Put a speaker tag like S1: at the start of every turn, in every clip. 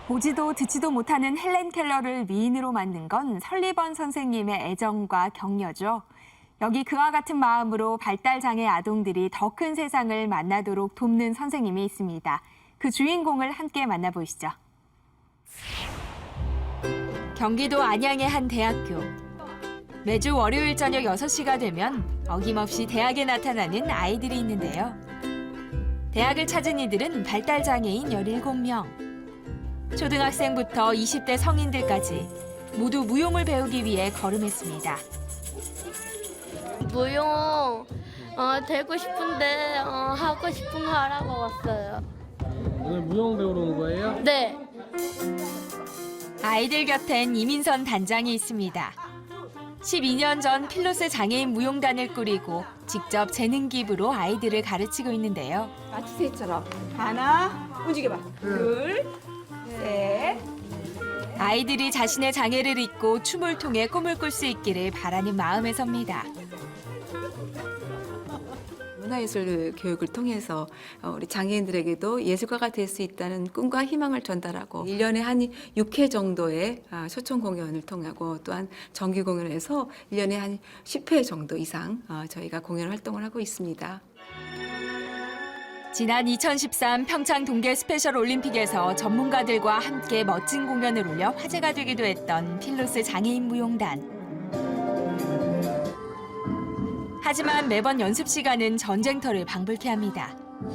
S1: 보지도 듣지도 못하는 헬렌 켈러를 미인으로 만든 건 설리번 선생님의 애정과 격려죠. 여기 그와 같은 마음으로 발달장애 아동들이 더 큰 세상을 만나도록 돕는 선생님이 있습니다. 그 주인공을 함께 만나보시죠. 경기도 안양의 한 대학교. 매주 월요일 저녁 6시가 되면 어김없이 대학에 나타나는 아이들이 있는데요. 대학을 찾은 이들은 발달장애인 17명. 초등학생부터 20대 성인들까지 모두 무용을 배우기 위해 걸음했습니다.
S2: 무용 되고 싶은데 하고 싶은 거 하라고 왔어요.
S3: 오늘 무용 배우러 온 거예요?
S2: 네.
S1: 아이들 곁엔 이민선 단장이 있습니다. 12년 전 필로스 장애인 무용단을 꾸리고 직접 재능 기부로 아이들을 가르치고 있는데요.
S4: 마치세이처럼 하나 움직여봐. 둘, 셋.
S1: 아이들이 자신의 장애를 잊고 춤을 통해 꿈을 꿀 수 있기를 바라는 마음에서입니다.
S4: 문화예술 교육을 통해서 우리 장애인들에게도 예술가가 될 수 있다는 꿈과 희망을 전달하고 1년에 한 6회 정도의 초청 공연을 통하고 또한 정기 공연을 해서 1년에 한 10회 정도 이상 저희가 공연 활동을 하고 있습니다.
S1: 지난 2013 평창 동계 스페셜 올림픽에서 전문가들과 함께 멋진 공연을 올려 화제가 되기도 했던 필로스 장애인 무용단. 하지만 매번 연습 시간은 전쟁터를 방불케 합니다.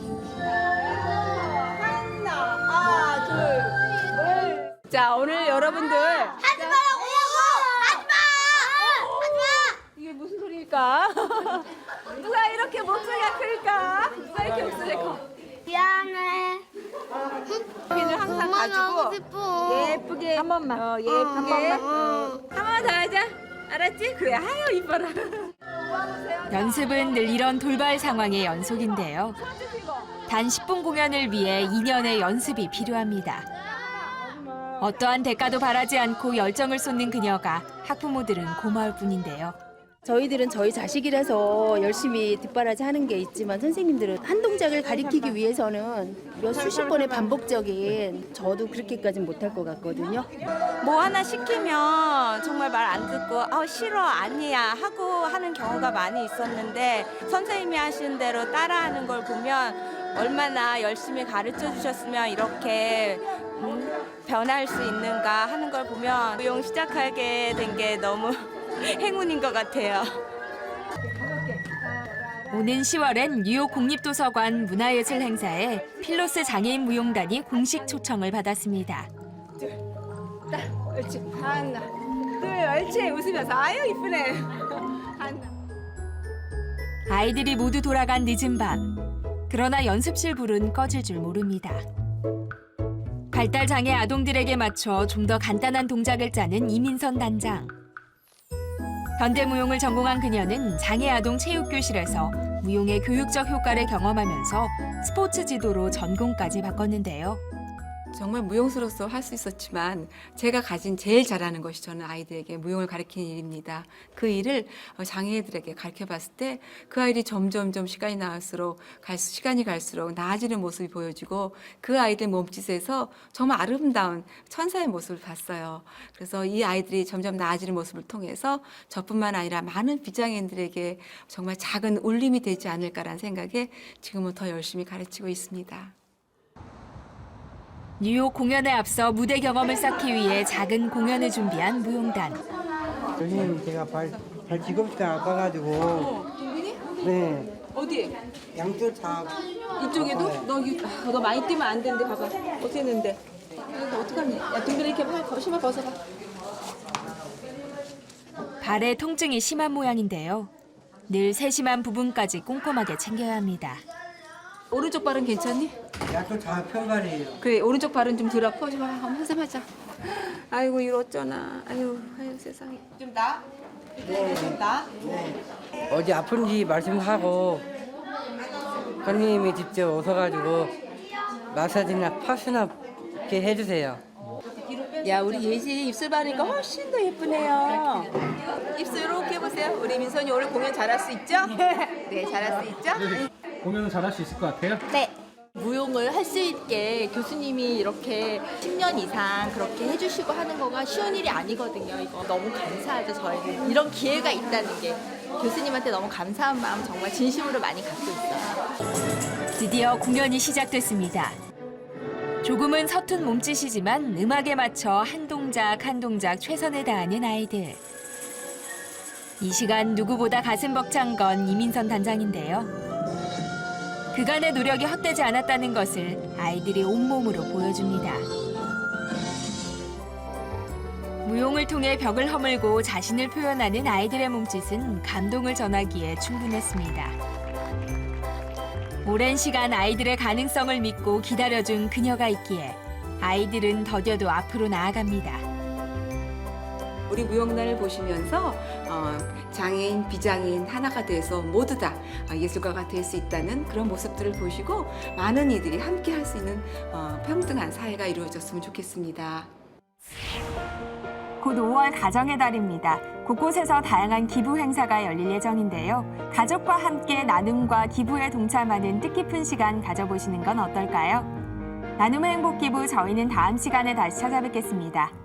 S4: 하나, 둘. 자, 오늘 여러분들
S5: 하지 말라고요! 하지 마!
S4: 이게 무슨 소리일까? 누가 이렇게 목소리가 클까? 누가 이렇게 목소리가 커?
S5: 미안해.
S4: 핀을 항상
S5: 그만하고
S4: 가지고
S5: 싶어.
S4: 예쁘게 한 번만. 예쁘게 한 번 더 하자. 알았지? 그래. 아유 이뻐라.
S1: 연습은 늘 이런 돌발 상황의 연속인데요. 단 10분 공연을 위해 2년의 연습이 필요합니다. 어떠한 대가도 바라지 않고 열정을 쏟는 그녀가 학부모들은 고마울 뿐인데요.
S6: 저희들은 저희 자식이라서 열심히 뒷바라지 하는 게 있지만 선생님들은 한 동작을 가리키기 위해서는 몇 수십 번의 반복적인 저도 그렇게까지는 못할 것 같거든요.
S7: 뭐 하나 시키면 정말 말 안 듣고 싫어 아니야 하고 하는 경우가 많이 있었는데 선생님이 하신 대로 따라하는 걸 보면 얼마나 열심히 가르쳐 주셨으면 이렇게 변할 수 있는가 하는 걸 보면 무용 시작하게 된 게 너무 행운인 것 같아요.
S1: 오는 10월엔 뉴욕 국립도서관 문화예술 행사에 필로스 장애인 무용단이 공식 초청을 받았습니다.
S4: 옳지. 하나, 둘, 옳지. 웃으면서 아유 이쁘네. 하나.
S1: 아이들이 모두 돌아간 늦은 밤. 그러나 연습실 불은 꺼질 줄 모릅니다. 발달장애 아동들에게 맞춰 좀 더 간단한 동작을 짜는 이민선 단장. 현대무용을 전공한 그녀는 장애아동 체육교실에서 무용의 교육적 효과를 경험하면서 스포츠 지도로 전공까지 바꿨는데요.
S4: 정말 무용수로서 할 수 있었지만 제가 가진 제일 잘하는 것이 저는 아이들에게 무용을 가르치는 일입니다. 그 일을 장애인들에게 가르쳐봤을 때 그 아이들이 점점점 시간이 갈수록 나아지는 모습이 보여지고 그 아이들 몸짓에서 정말 아름다운 천사의 모습을 봤어요. 그래서 이 아이들이 점점 나아지는 모습을 통해서 저뿐만 아니라 많은 비장애인들에게 정말 작은 울림이 되지 않을까라는 생각에 지금은 더 열심히 가르치고 있습니다.
S1: 뉴욕 공연에 앞서 무대 경험을 쌓기 위해 작은 공연을 준비한 무용단.
S8: 선생님 제가 발 뒤꿈치가 아파가지고 네
S4: 어디?
S8: 양쪽 다
S4: 이쪽에도? 너 많이 뛰면 안 되는데 봐봐. 어떻게 했는데? 이거 어떡하니? 야 둥근이 이렇게 신발 벗어봐.
S1: 발에 통증이 심한 모양인데요. 늘 세심한 부분까지 꼼꼼하게 챙겨야 합니다.
S4: 오른쪽 발은 괜찮니?
S8: 양쪽 다 편발이에요.
S4: 그래 오른쪽 발은 좀 덜 아파. 좀 한번 한잔하자. 아이고 이거 어쩌나. 아유 세상에. 좀 나?
S8: 네.
S4: 좀 나?
S8: 네. 어디 아픈지 말씀하고 선생님이 직접 오셔가지고 마사지나 파스나 이렇게 해주세요.
S6: 야 우리 예지 입술 바르니까 훨씬 더 예쁘네요.
S4: 입술 이렇게 해보세요. 우리 민선이 오늘 공연 잘할 수 있죠? 네 잘할 수 있죠?
S3: 공연은 잘할 수 있을 것 같아요?
S5: 네.
S9: 무용을 할 수 있게 교수님이 이렇게 10년 이상 그렇게 해주시고 하는 거가 쉬운 일이 아니거든요. 이거 너무 감사하죠, 저희는. 이런 기회가 있다는 게 교수님한테 너무 감사한 마음 정말 진심으로 많이 갖고 있어요.
S1: 드디어 공연이 시작됐습니다. 조금은 서툰 몸짓이지만 음악에 맞춰 한 동작 한 동작 최선을 다하는 아이들. 이 시간 누구보다 가슴 벅찬 건 이민선 단장인데요. 그간의 노력이 헛되지 않았다는 것을 아이들이 온몸으로 보여줍니다. 무용을 통해 벽을 허물고 자신을 표현하는 아이들의 몸짓은 감동을 전하기에 충분했습니다. 오랜 시간 아이들의 가능성을 믿고 기다려준 그녀가 있기에 아이들은 더뎌도 앞으로 나아갑니다.
S4: 우리 무용단을 보시면서 장애인, 비장애인 하나가 돼서 모두 다 예술가가 될 수 있다는 그런 모습들을 보시고 많은 이들이 함께 할 수 있는 평등한 사회가 이루어졌으면 좋겠습니다.
S1: 곧 5월 가정의 달입니다. 곳곳에서 다양한 기부 행사가 열릴 예정인데요. 가족과 함께 나눔과 기부에 동참하는 뜻깊은 시간 가져보시는 건 어떨까요? 나눔의 행복 기부, 저희는 다음 시간에 다시 찾아뵙겠습니다.